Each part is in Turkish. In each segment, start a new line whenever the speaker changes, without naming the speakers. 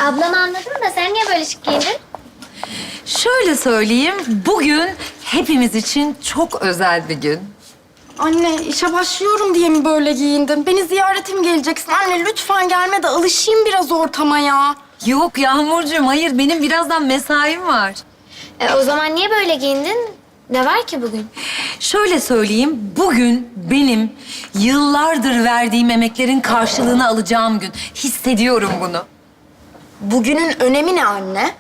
Ablam anladım da sen niye böyle şık giyindin?
Şöyle söyleyeyim, bugün hepimiz için çok özel bir gün.
Anne işe başlıyorum diye mi böyle giyindin? Beni ziyaretim geleceksin. Anne lütfen gelme de alışayım biraz ortama ya.
Yok Yağmurcuğum, hayır benim birazdan mesaim var.
O zaman niye böyle giyindin? Ne var ki bugün?
Şöyle söyleyeyim, bugün benim yıllardır verdiğim emeklerin karşılığını alacağım gün. Hissediyorum bunu.
Bugünün önemi ne anne?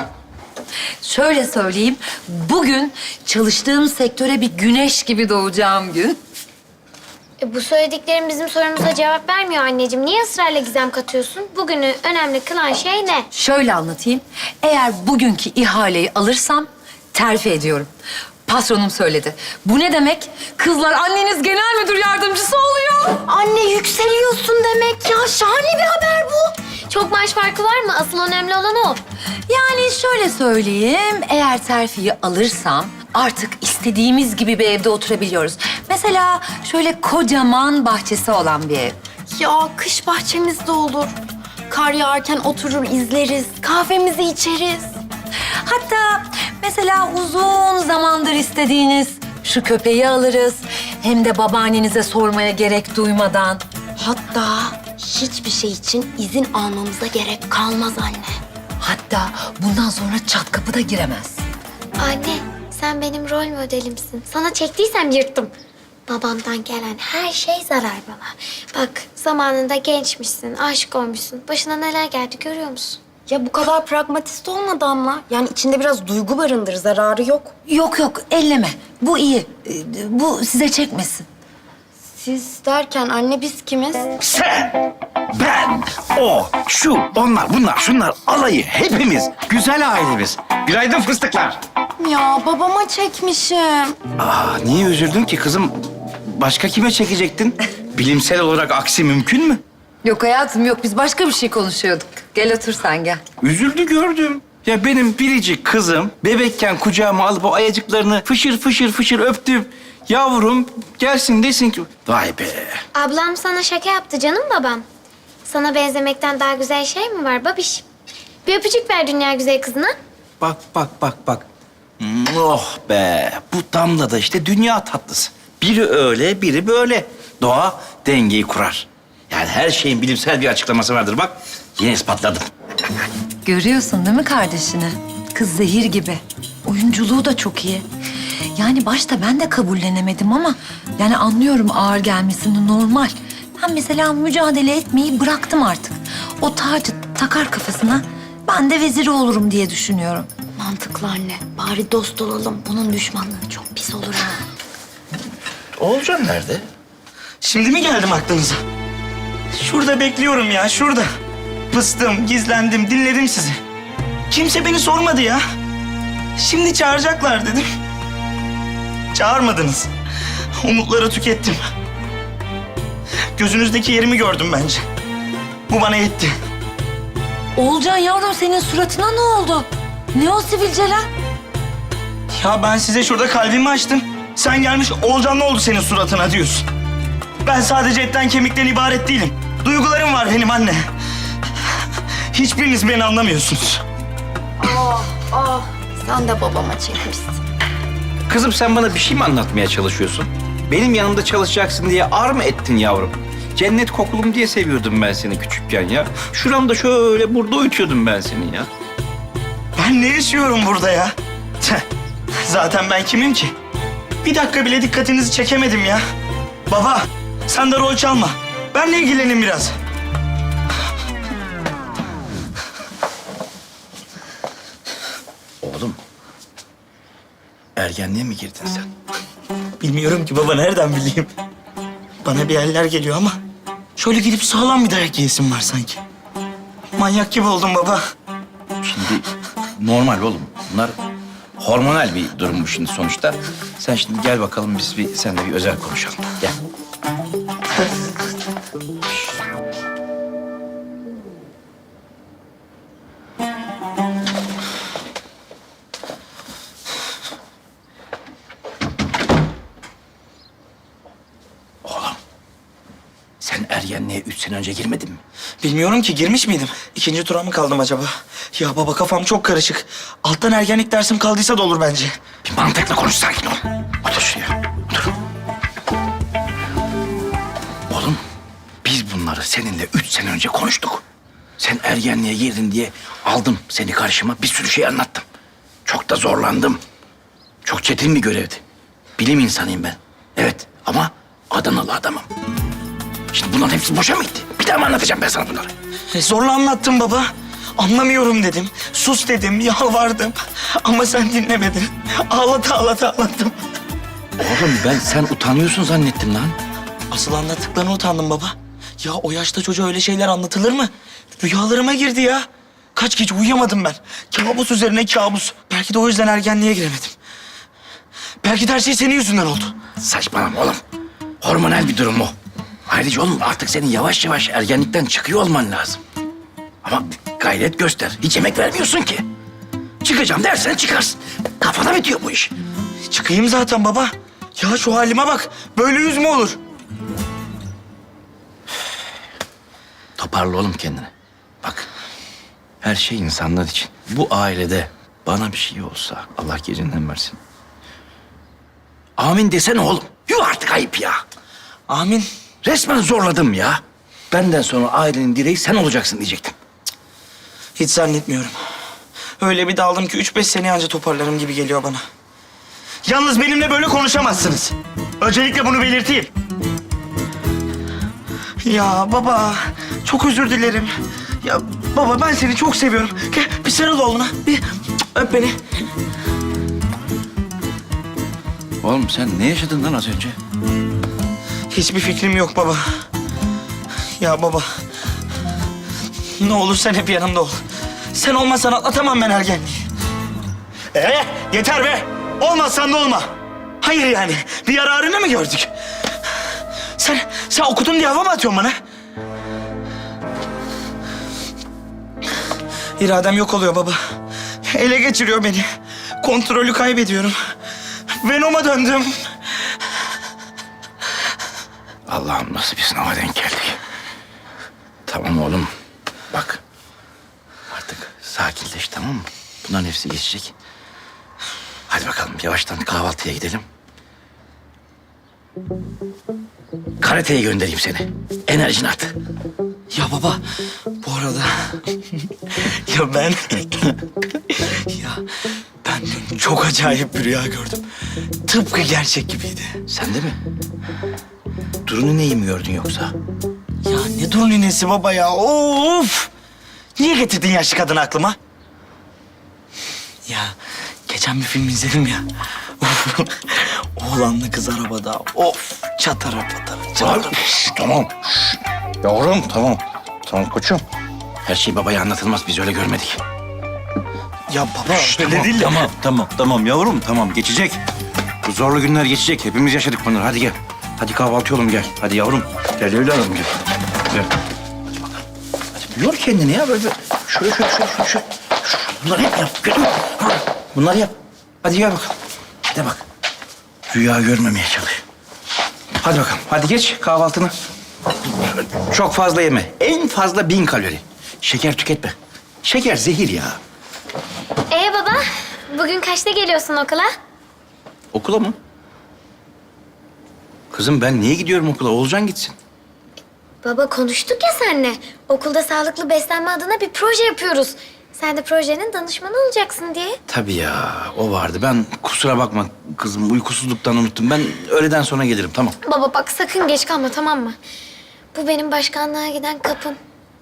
Şöyle söyleyeyim, bugün çalıştığım sektöre bir güneş gibi doğacağım gün.
Bu söylediklerin bizim sorumuza cevap vermiyor anneciğim. Niye ısrarla gizem katıyorsun? Bugünü önemli kılan şey ne?
Şöyle anlatayım, eğer bugünkü ihaleyi alırsam terfi ediyorum. Patronum söyledi. Bu ne demek? Kızlar, anneniz genel müdür yardımcısı oluyor.
Anne yükseliyorsun demek ya. Şahane bir haber bu.
Çok maaş farkı var mı? Asıl önemli olan o.
Yani şöyle söyleyeyim, eğer terfiyi alırsam artık istediğimiz gibi bir evde oturabiliyoruz. Mesela şöyle kocaman bahçesi olan bir ev.
Ya kış bahçemizde olur. Kar yağarken oturur izleriz. Kahvemizi içeriz.
Hatta mesela uzun zamandır istediğiniz şu köpeği alırız. Hem de babaannenize sormaya gerek duymadan.
Hatta hiçbir şey için izin almamıza gerek kalmaz anne.
Hatta bundan sonra çat kapı da giremez.
Anne, sen benim rol modelimsin. Sana çektiysem yırttım. Babamdan gelen her şey zarar bana. Bak, zamanında gençmişsin, aşık olmuşsun. Başına neler geldi görüyor musun?
Ya bu kadar pragmatist olma Damla. Yani içinde biraz duygu barındır, zararı yok.
Yok yok, elleme. Bu iyi. Bu size çekmesin.
Siz derken anne biz kimiz?
Sen, ben, o, şu, onlar, bunlar, şunlar, alayı, hepimiz. Güzel ailemiz. Günaydın fıstıklar.
Ya babama çekmişim.
Niye üzüldün ki kızım? Başka kime çekecektin? Bilimsel olarak aksi mümkün mü?
Yok hayatım yok, biz başka bir şey konuşuyorduk. Gel otur sen gel.
Üzüldü gördüm. Ya benim biricik kızım bebekken kucağıma alıp o ayacıklarını fışır fışır fışır öptüm. Yavrum gelsin desin ki... Vay be.
Ablam sana şaka yaptı canım babam. Sana benzemekten daha güzel şey mi var babiş? Bir öpücük ver dünya güzel kızına.
Bak, bak, bak, bak. Oh be. Bu Damla da işte dünya tatlısı. Biri öyle, biri böyle. Doğa dengeyi kurar. Yani her şeyin bilimsel bir açıklaması vardır. Bak, yine ispatladım.
Görüyorsun değil mi kardeşini? Kız zehir gibi. Oyunculuğu da çok iyi. Yani başta ben de kabullenemedim ama... yani anlıyorum ağır gelmesini, normal. Ben mesela mücadele etmeyi bıraktım artık. O tacı takar kafasına, ben de veziri olurum diye düşünüyorum.
Mantıklı anne. Bari dost olalım. Bunun düşmanlığı çok pis olur ha.
Oğulcan nerede?
Şimdi mi geldim aklınıza? Şurada bekliyorum ya, şurada. Pıstım, gizlendim, dinledim sizi. Kimse beni sormadı ya. Şimdi çağıracaklar dedim. Çağırmadınız. Umutları tükettim. Gözünüzdeki yerimi gördüm bence. Bu bana yetti.
Oğulcan yavrum, senin suratına ne oldu? Ne o sivilceler?
Ya ben size şurada kalbimi açtım. Sen gelmiş Oğulcan ne oldu senin suratına diyorsun. Ben sadece etten kemikten ibaret değilim. Duygularım var benim anne. Hiçbiriniz beni anlamıyorsunuz.
Sen de babama çekmişsin.
Kızım sen bana bir şey mi anlatmaya çalışıyorsun? Benim yanımda çalışacaksın diye ar mı ettin yavrum? Cennet kokulum diye seviyordum ben seni küçükken ya. Şuramda şöyle burada uyutuyordum ben seni ya.
Ben ne yaşıyorum burada ya? Tüh, zaten ben kimim ki? Bir dakika bile dikkatinizi çekemedim ya. Baba, sen de rol çalma. Benle ilgilenin biraz.
Oğlum, ergenliğe mi girdin sen?
Bilmiyorum ki baba, nereden bileyim? Bana bir eller geliyor ama... şöyle gidip sağlam bir dayak yiyesim var sanki. Manyak gibi oldum baba.
Şimdi normal oğlum. Bunlar hormonal bir durum bu şimdi sonuçta. Sen şimdi gel bakalım biz seninle bir özel konuşalım. Gel. Oğlum, sen ergenliğe 3 sene önce girmedin mi?
Bilmiyorum ki girmiş miydim? İkinci tura mı kaldım acaba? Ya baba kafam çok karışık. Alttan ergenlik dersim kaldıysa da olur bence.
Bir mantıklı konuş, sakin ol. Otur şuraya, otur. Oğlum, biz bunları seninle 3 sene önce konuştuk. Sen ergenliğe girdin diye aldım seni karşıma, bir sürü şey anlattım. Çok da zorlandım. Çok çetin bir görevdi. Bilim insanıyım ben. Evet ama Adanalı adamım. Şimdi bunların hepsi boşa mı gitti? Bir daha mı anlatacağım ben sana bunları?
Zorla anlattım baba. Anlamıyorum dedim. Sus dedim, yalvardım. Ama sen dinlemedin. Ağlattım.
Oğlum ben sen utanıyorsun zannettim lan.
Asıl anlattıklarına utandım baba. Ya o yaşta çocuğa öyle şeyler anlatılır mı? Rüyalarıma girdi ya. Kaç gece uyuyamadım ben. Kabus üzerine kabus. Belki de o yüzden ergenliğe giremedim. Belki de her şey senin yüzünden oldu.
Saçmalama oğlum. Hormonal bir durum o. Ayrıca oğlum artık senin yavaş yavaş ergenlikten çıkıyor olman lazım. Ama gayret göster. Hiç emek vermiyorsun ki. Çıkacağım dersen çıkarsın. Kafana bitiyor bu iş.
Çıkayım zaten baba. Ya şu halime bak. Böyle yüz mü olur?
Toparla oğlum kendini. Bak, her şey insanlar için. Bu ailede bana bir şey olsa Allah gecinden versin. Amin desene oğlum. Yuh artık ayıp ya.
Amin.
Resmen zorladım ya. Benden sonra ailenin direği sen olacaksın diyecektim.
Hiç zannetmiyorum. Öyle bir daldım ki 3-5 sene anca toparlarım gibi geliyor bana. Yalnız benimle böyle konuşamazsınız. Öncelikle bunu belirteyim. Ya baba, çok özür dilerim. Ya baba ben seni çok seviyorum. Gel bir sarıl oğluna. Bir öp beni.
Oğlum sen ne yaşadın lan az önce?
Hiçbir fikrim yok baba. Ya baba. Ne olur sen hep yanımda ol. Sen olmasan atlatamam ben ergenliği. Yeter be. Olmazsan da olma. Hayır yani. Bir yararını mı gördük? Sen okudun diye hava mı atıyorsun bana? İradem yok oluyor baba. Ele geçiriyor beni. Kontrolü kaybediyorum. Venom'a döndüm.
Allah'ım nasıl bir sınava denk geldik. Tamam oğlum. Bak. Artık sakinleş, tamam mı? Bunların hepsi geçecek. Hadi bakalım yavaştan kahvaltıya gidelim. Karateye göndereyim seni. Enerjini at.
Ya baba, bu arada... ya ben... ya ben dün çok acayip bir rüya gördüm. Tıpkı gerçek gibiydi.
Sen de mi? Durunu neyi mi gördün yoksa?
Ya ne dur ninesi baba ya, of! Niye getirdin yaşlı kadını aklıma? Ya geçen bir film izledim ya. Oğlanla kız arabada, of! Çatara patara, çatara.
Tamam. Yavrum tamam. Tamam koçum. Her şey babaya anlatılmaz. Biz öyle görmedik.
Ya baba, öyle
Tamam,
değil de...
tamam yavrum tamam geçecek. Bu zorlu günler geçecek. Hepimiz yaşadık bunları. Hadi gel. Hadi kahvaltı oğlum gel. Hadi yavrum. Gel evladım gel. Gel. Hadi bakalım. Hadi yor kendini ya böyle. Şöyle. Bunları hep yap. Görüyor musun? Bunları yap. Hadi gel bakalım. De bak. Rüya görmemeye çalış. Hadi bakalım. Hadi geç kahvaltını. Çok fazla yeme. En fazla 1000 kalori. Şeker tüketme. Şeker zehir ya.
Baba, bugün kaçta geliyorsun okula?
Okula mı? Kızım ben niye gidiyorum okula? Oğulcan gitsin.
Baba konuştuk ya seninle. Okulda sağlıklı beslenme adına bir proje yapıyoruz. Sen de projenin danışmanı olacaksın diye.
Tabii ya o vardı. Ben kusura bakma kızım uykusuzluktan unuttum. Ben öğleden sonra gelirim tamam.
Baba bak sakın geç kalma tamam mı? Bu benim başkanlığa giden kapım.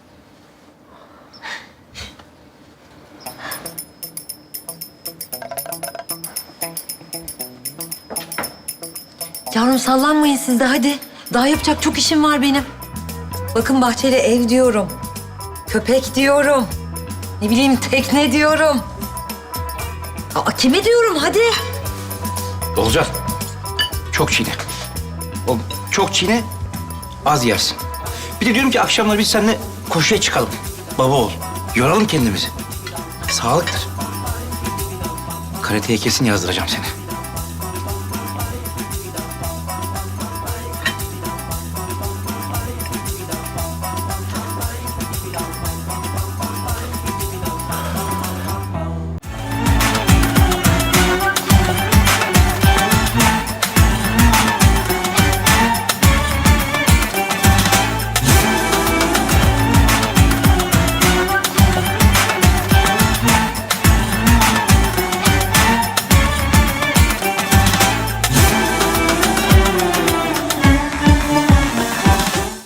Yavrum sallanmayın siz de hadi. Daha yapacak çok işim var benim. Bakın bahçeli ev diyorum. Köpek diyorum. Ne bileyim tekne diyorum. Aa, kime diyorum hadi.
Olcan. Çok çiğne. Oğlum çok çiğne az yersin. Bir de diyorum ki akşamları biz seninle koşuya çıkalım. Baba ol. Yoralım kendimizi. Sağlıktır. Karateye kesin yazdıracağım seni.